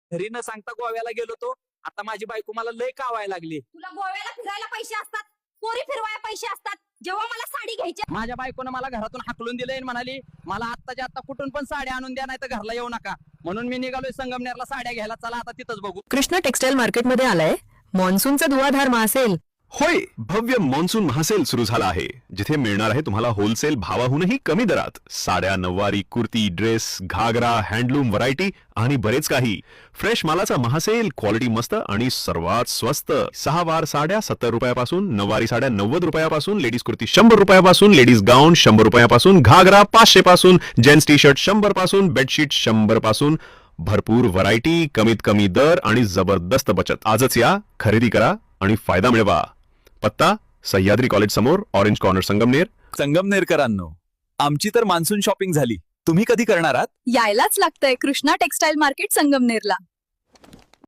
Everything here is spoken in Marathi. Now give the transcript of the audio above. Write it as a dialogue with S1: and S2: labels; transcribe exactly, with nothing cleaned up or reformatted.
S1: घरी न सांगता गोव्याला गेलो तो. आता माझी बायको मला लय कावायला लागली.
S2: तुला गोव्याला फिरायला पैसे असतात, पोरी फिरवायला पैसे असतात. जेव्हा मला साडी घ्यायची,
S1: माझ्या बायकोनं मला घरातून हाकलून दिलंय आणि म्हणाली मला आत्ताच्या आत्ता कुठून पण साड्या आणून द्या, नाही तर घरला येऊ नका. म्हणून मी निघालोय संगमनेरला साड्या घ्यायला. चला आता तिथंच बघू.
S3: कृष्णा टेक्सटाईल मार्केटमध्ये आलाय मॉन्सूनचा धुवाधार महासेल.
S4: होय, भव्य मॉन्सून महासेल सुरू झाला आहे, जिथे मिळणार आहे तुम्हाला होलसेल भावाहूनही कमी दरात साड्या, नऊवारी, kurti, dress, ghagra, handloom variety आणि बरेच काही. फ्रेश मालाचा महासेल, क्वालिटी मस्त आणि सर्वात स्वस्त. सहा वार साड्या सत्तर रुपयापासून, नऊवारी साड्या नव्वद रुपयापासून, लेडीज कुर्ती शंभर रुपयापासून, लेडीज गाऊन शंभर रुपयापासून, घागरा पाचशे पासून, जेंट्स टी शर्ट शंभर पासून, बेडशीट शंभर पासून. भरपूर व्हरायटी, कमीत कमी दर आणि जबरदस्त बचत. आजच या, खरेदी करा आणि फायदा मिळवा. पत्ता सह्याद्री कॉलेज समोर, ऑरेंज कॉर्नर, संगमनेर.
S5: संगमनेरकरांनो, आमची तर मान्सून शॉपिंग झाली. तुम्ही कधी करणार आहात?
S6: यायलाच लागतंय कृष्णा टेक्सटाईल मार्केट संगमनेरला.